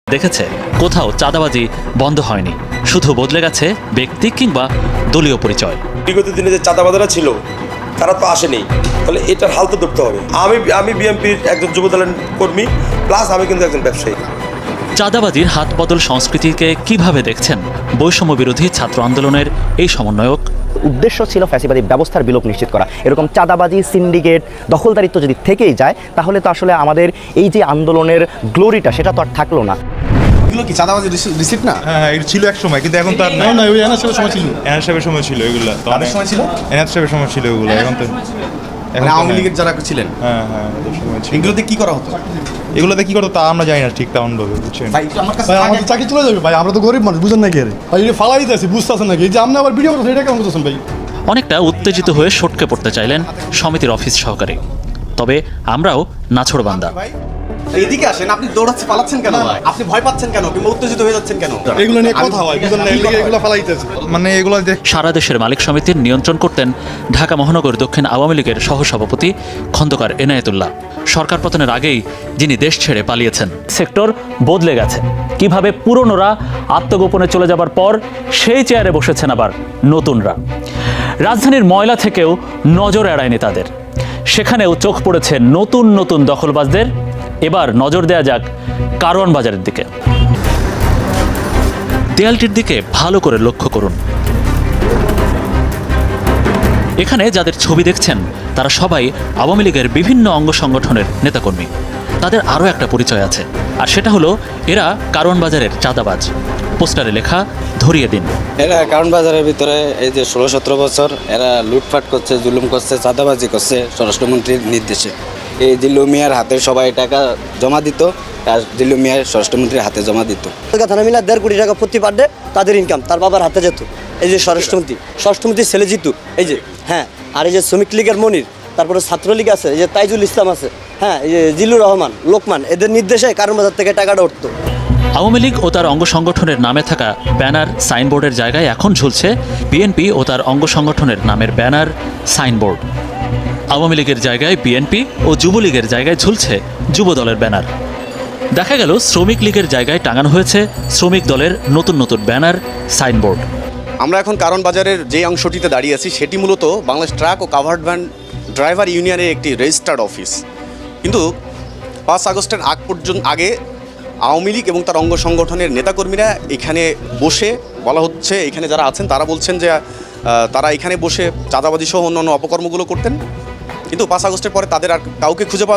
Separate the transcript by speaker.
Speaker 1: দেখেছে কোথাও চাঁদাবাজি বন্ধ হয়নি, শুধু বদলে গেছে ব্যক্তি কিংবা দলীয় পরিচয়।
Speaker 2: বিগত দিনে যে চাঁদাবাজারা ছিল তারা তো আসেনি, তাহলে এটার হাল তো ধরতে হবে। আমি বিএনপির একজন যুবদলের কর্মী, প্লাস আমি কিন্তু একজন ব্যবসায়ী।
Speaker 1: চাঁদাবাজির হাত বদল সংস্কৃতিকে কিভাবে দেখছেন বৈষম্য বিরোধী ছাত্র আন্দোলনের এই সমন্বয়ক?
Speaker 3: উদ্দেশ্য ছিল ফ্যাসিবাদী ব্যবস্থার বিলোপ নিশ্চিত করা। এরকম চাঁদাবাজি, সিন্ডিকেট, দখলদারিত্ব যদি থেকেই যায় তাহলে তো আসলে আমাদের এই যে আন্দোলনের গ্লোরিটা সেটা তো আর থাকলো না।
Speaker 4: এগুলো কি চাঁদাবাজি রিসিপ্ট না?
Speaker 5: হ্যাঁ, এটা ছিল এক সময়, কিন্তু এখন তো আর
Speaker 4: না, না, ওই এনআর সাহেবের সময় ছিল।
Speaker 5: এনআর সাহেবের সময় ছিল এগুলো, তো
Speaker 4: তাদের সময় ছিল?
Speaker 5: এনআর সাহেবের সময় ছিল এগুলো, এখন তো
Speaker 4: মানে আওয়ামী লীগের যারা ছিলেন,
Speaker 5: হ্যাঁ হ্যাঁ ওদের সময় ছিল।
Speaker 4: এগুলোতে কি করা হতো?
Speaker 5: এগুলোতে কি করতো তা আমরা জানি না ঠিক তেমন ভাবে, বুঝছেন?
Speaker 4: ভাই একটু আমার কাছে
Speaker 6: ভাই আমাদের চাকরি চলে যাবে ভাই, আমরা তো গরিব মানুষ, বুঝেন নাকি? ভাই এটা ফালাই দিতেছি, বুঝতেছেন নাকি? এই যে আপনি আবার ভিডিও করছেন, এটা কেমন করতেছেন ভাই?
Speaker 1: অনেকটা উত্তেজিত হয়ে সটকে পড়তে চাইলেন সমিতির অফিস সহকারী। তবে আমরাও নাছোড়বান্দা।
Speaker 4: এদিকে আসেন, আপনি দৌড়াচ্ছে পালাচ্ছেন কেন? আপনি ভয় পাচ্ছেন কেন কিংবা উত্তেজিত হয়ে যাচ্ছেন কেন?
Speaker 6: এগুলো নিয়ে কথা হয়, বুঝেন না? এগুলো ফালাই দিতেছে।
Speaker 5: মানে এগুলো
Speaker 1: সারা দেশের মালিক সমিতির নিয়ন্ত্রণ করতেন ঢাকা মহানগর দক্ষিণ আওয়ামী লীগের সহসভাপতি খন্দকার এনায়েতুল্লাহ। সরকার পতনের আগেই যিনি দেশ ছেড়ে পালিয়েছেন। সেক্টর বদলে গেছে, কিভাবে পুরনোরা আত্মগোপনে চলে যাবার পর সেই চেয়ারে বসেছেন আবার নতুনরা। রাজধানীর ময়লা থেকেও নজর এড়ায়নি তাদের, সেখানেও চোখ পড়েছে নতুন নতুন দখলবাজদের। এবার নজর দেয়া যাক কারওয়ান বাজারের দিকে। দেয়ালটির দিকে ভালো করে লক্ষ্য করুন। এখানে যাদের ছবি দেখছেন তারা সবাই আওয়ামী লীগের বিভিন্ন অঙ্গ সংগঠনের নেতাকর্মী। তাদের আরও একটা পরিচয় আছে, আর সেটা হলো এরা কারওয়ান বাজারের চাঁদাবাজ। পোস্টারে লেখা ধরিয়ে দিন।
Speaker 7: এরা কারণ বাজারের ভিতরে এই যে 16-17 বছর এরা লুটপাট করছে, জুলুম করছে, চাঁদাবাজি করছে স্বরাষ্ট্রমন্ত্রীর নির্দেশে। এই জিল্লু মিয়ার হাতে সবাই টাকা জমা দিত, আর জিল্লু মিয়ার স্বরাষ্ট্রমন্ত্রীর হাতে জমা দিত।
Speaker 8: থানা মিলা 1.5 কোটি টাকা প্রতি পার ডে তাদের ইনকাম তার বাবার হাতে যেত। এই যে স্বরাষ্ট্রমন্ত্রীর ছেলে জিতু, এই যে হ্যাঁ, আর এই যে শ্রমিক লীগের মনির, তারপরে ছাত্রলীগ আছে, এই যে তাইজুল ইসলাম আছে, হ্যাঁ, এই যে জিল্লুর রহমান, লোকমান, এদের নির্দেশে কারণ বাজার থেকে টাকাটা উঠতো।
Speaker 1: আওয়ামী লীগ ও তার অঙ্গ সংগঠনের নামে থাকা ব্যানার, সাইনবোর্ডের জায়গায় এখন ঝুলছে বিএনপি ও তার অঙ্গ সংগঠনের নামের ব্যানার, সাইনবোর্ড। আওয়ামী লীগের জায়গায় বিএনপি ও যুবলীগের জায়গায় ঝুলছে যুব দলের ব্যানার। দেখা গেল শ্রমিক লীগের জায়গায় টাঙানো হয়েছে শ্রমিক দলের নতুন নতুন ব্যানার, সাইনবোর্ড।
Speaker 4: আমরা এখন কারণ বাজারের যে অংশটিতে দাঁড়িয়ে আছি সেটি মূলত বাংলাদেশ ট্রাক ও কাভার্ড ভ্যান ড্রাইভার ইউনিয়নের একটি রেজিস্টার্ড অফিস। কিন্তু 5 আগস্টের আগে আওয়ামী লীগ এবং তার অঙ্গ সংগঠনের নেতাকর্মীরা এখানে বসে, বলা হচ্ছে এখানে যারা আছেন তারা বলছেন যে তারা এখানে বসে চাঁদাবাজি সহ অন্যান্য অপকর্মগুলো করতেন। কিন্তু 5 আগস্টের পরে তাদের আর কাউকে খুঁজে পাওয়া